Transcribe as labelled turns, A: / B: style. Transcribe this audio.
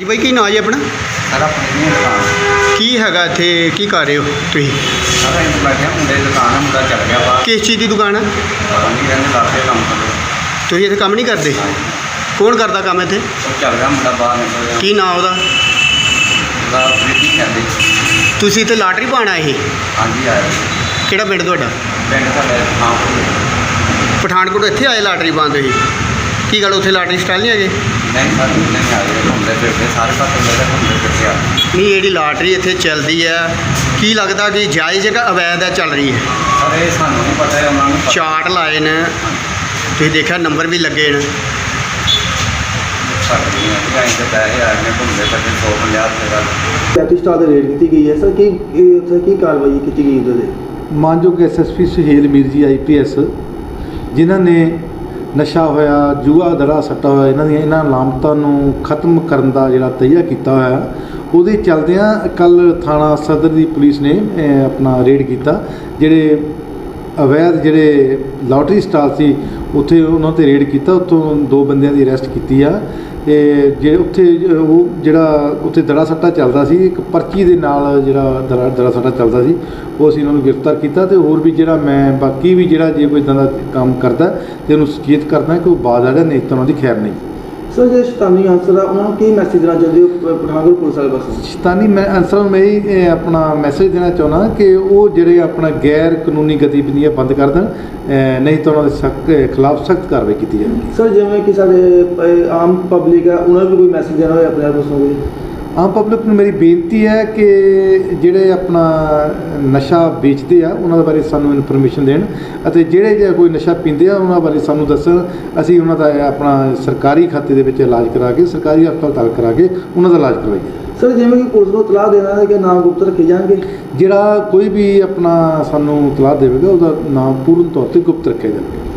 A: ਜੀ ਬਾਈ, ਕੀ ਨਾਂ ਜੀ ਆਪਣਾ?
B: सर अपनी दुकान
A: ਕੀ ਹੈਗਾ ਇੱਥੇ, ਕੀ ਕਰ ਰਹੇ ਹੋ ਤੁਸੀਂ?
B: सर इन बैठे मुंडे दुकान है मुंडा चल गया बाहर
A: ਕਿਸ ਚੀਜ਼ ਦੀ ਦੁਕਾਨ ਹੈ?
B: पता नहीं रहने लाते काम कर
A: ਤੁਸੀਂ ਇੱਥੇ ਕੰਮ ਨਹੀਂ ਕਰਦੇ? ਕੌਣ ਕਰਦਾ ਕੰਮ ਇੱਥੇ?
B: वो चल गया मुंडा बाहर निकल गया
A: ਕੀ ਨਾਂ ਉਹਦਾ?
B: प्रीति कहते
A: ਤੁਸੀਂ ਇੱਥੇ ਲਾਟਰੀ ਪਾਉਣ ਆਏ ਸੀ?
B: हाँ जी आया
A: ਕਿਹੜਾ ਪਿੰਡ ਤੁਹਾਡਾ?
B: पिंड साढ़े हाँ
A: ਪਠਾਨਕੋਟ ਇੱਥੇ ਆਏ ਲਾਟਰੀ ਪਾਉਣ ਤੁਸੀਂ? ਕੀ ਗੱਲ ਉੱਥੇ ਲਾਟਰੀ ਸਟਾਲ ਨਹੀਂ ਹੈਗੇ?
B: नहीं सर नहीं आए घूमते फिरते सारे पास घूमते फिरते आ
A: ਨਹੀਂ, ਜਿਹੜੀ ਲਾਟਰੀ ਇੱਥੇ ਚੱਲਦੀ ਹੈ, ਕੀ ਲੱਗਦਾ ਕਿ ਜਾਇਜ਼ ਹੈ ਕਿ ਅਵੈਧ ਹੈ ਚੱਲ ਰਹੀ ਹੈ?
B: सर ये सानू नहीं पता है उन्होंने
A: ਚਾਰਟ ਲਾਏ ਨੇ, ਤੁਸੀਂ ਦੇਖਿਆ ਨੰਬਰ ਵੀ ਲੱਗੇ ਨੇ।
B: पैसे आए ने घूमते फिरते 150 रुपये का
C: ਲਾਟਰੀ ਸਟਾਲ ਤੇ ਰੇਡ ਕੀਤੀ ਗਈ ਹੈ ਸਰ। ਉੱਥੇ ਕੀ ਕਾਰਵਾਈ ਕੀਤੀ ਗਈ ਉਹਦੇ?
D: ਮਾਨਯੋਗ ਐਸਐਸਪੀ ਸੁਹੇਲ ਮੀਰ ਜੀ ਆਈਪੀਐਸ, ਜਿਨ੍ਹਾਂ ਨੇ ਨਸ਼ਾ ਹੋਇਆ, ਜੂਆ ਦੜਾ ਸੱਟਾ ਹੋਇਆ, ਇਹਨਾਂ ਲਾਮਤਾਂ ਨੂੰ ਖਤਮ ਕਰਨ ਦਾ ਜਿਹੜਾ ਤਈਆ ਕੀਤਾ ਹੋਇਆ, ਉਹਦੇ ਚਲਦਿਆਂ ਕੱਲ੍ਹ ਥਾਣਾ ਸਦਰ ਦੀ ਪੁਲਿਸ ਨੇ ਆਪਣਾ ਰੇਡ ਕੀਤਾ। ਜਿਹੜੇ ਅਵੈਧ ਜਿਹੜੇ ਲਾਟਰੀ ਸਟਾਲ ਸੀ ਉੱਥੇ ਉਹਨਾਂ 'ਤੇ ਰੇਡ ਕੀਤਾ। ਉੱਥੋਂ 2 ਬੰਦਿਆਂ ਦੀ ਅਰੈਸਟ ਕੀਤੀ ਆ। ਜੇ ਉੱਥੇ ਉਹ ਜਿਹੜਾ ਉੱਥੇ ਦੜਾ ਸੱਟਾ ਚੱਲਦਾ ਸੀ, ਇੱਕ ਪਰਚੀ ਦੇ ਨਾਲ ਜਿਹੜਾ ਦੜਾ ਸੱਟਾ ਚੱਲਦਾ ਸੀ, ਉਹ ਅਸੀਂ ਉਹਨਾਂ ਨੂੰ ਗ੍ਰਿਫਤਾਰ ਕੀਤਾ। ਅਤੇ ਹੋਰ ਵੀ ਜਿਹੜਾ ਮੈਂ ਬਾਕੀ ਵੀ ਜਿਹੜਾ ਜੇ ਕੋਈ ਇੱਦਾਂ ਦਾ ਕੰਮ ਕਰਦਾ ਅਤੇ ਉਹਨੂੰ ਸੁਚੇਤ ਕਰਦਾ ਕਿ ਉਹ ਬਾਜ਼ ਆ ਜਾਏ, ਨਹੀਂ ਤਾਂ ਉਹਨਾਂ ਦੀ ਖੈਰ ਨਹੀਂ।
C: ਸਰ ਜਿਹੜੇ ਸ਼ੈਤਾਨੀ ਅਨਸਰ ਆ ਉਹਨਾਂ ਨੂੰ ਕੀ ਮੈਸੇਜ ਦੇਣਾ ਚਾਹੁੰਦੇ ਹੋ ਪਠਾਨਕੋਟ ਪੁਲਿਸ ਵਾਲੇ ਪਾਸੋਂ?
D: ਸ਼ੈਤਾਨੀ ਅਨਸਰਾਂ ਨੂੰ ਮੈਂ ਇਹ ਆਪਣਾ ਮੈਸੇਜ ਦੇਣਾ ਚਾਹੁੰਦਾ ਕਿ ਉਹ ਜਿਹੜੇ ਆਪਣਾ ਗੈਰ ਕਾਨੂੰਨੀ ਗਤੀਵਿਧੀਆਂ ਬੰਦ ਕਰ ਦੇਣ, ਨਹੀਂ ਤਾਂ ਉਹਨਾਂ ਦੇ ਖਿਲਾਫ ਸਖਤ ਕਾਰਵਾਈ ਕੀਤੀ ਜਾਵੇਗੀ।
C: ਸਰ ਜਿਵੇਂ ਕਿ ਸਾਡੇ ਆਮ ਪਬਲਿਕ ਆ, ਉਹਨਾਂ ਨੂੰ ਵੀ ਕੋਈ ਮੈਸੇਜ ਦੇਣਾ ਹੋਵੇ ਆਪਣੇ ਪਾਸੋਂ ਕੋਈ?
D: ਆਮ ਪਬਲਿਕ ਨੂੰ ਮੇਰੀ ਬੇਨਤੀ ਹੈ ਕਿ ਜਿਹੜੇ ਆਪਣਾ ਨਸ਼ਾ ਵੇਚਦੇ ਆ ਉਹਨਾਂ ਦੇ ਬਾਰੇ ਸਾਨੂੰ ਇਨਫੋਰਮੇਸ਼ਨ ਦੇਣ, ਅਤੇ ਜਿਹੜੇ ਜੇ ਕੋਈ ਨਸ਼ਾ ਪੀਂਦੇ ਆ ਉਹਨਾਂ ਬਾਰੇ ਸਾਨੂੰ ਦੱਸਣ। ਅਸੀਂ ਉਹਨਾਂ ਦਾ ਆਪਣਾ ਸਰਕਾਰੀ ਖਾਤੇ ਦੇ ਵਿੱਚ ਇਲਾਜ ਕਰਾ ਕੇ, ਸਰਕਾਰੀ ਹਸਪਤਾਲ ਕਰਾ ਕੇ ਉਹਨਾਂ ਦਾ ਇਲਾਜ ਕਰਵਾਈਏ।
C: ਸਰ ਜਿਵੇਂ ਕਿ ਪੁਲਿਸ ਨੂੰ ਇਤਲਾਹ ਦੇਣਾ ਹੈ ਕਿ ਨਾਮ ਗੁਪਤ ਰੱਖੇ ਜਾਣਗੇ?
D: ਜਿਹੜਾ ਕੋਈ ਵੀ ਆਪਣਾ ਸਾਨੂੰ ਇਤਲਾਹ ਦੇਵੇਗਾ ਉਹਦਾ ਨਾਮ ਪੂਰਨ ਤੌਰ 'ਤੇ ਗੁਪਤ ਰੱਖਿਆ ਜਾਵੇਗਾ।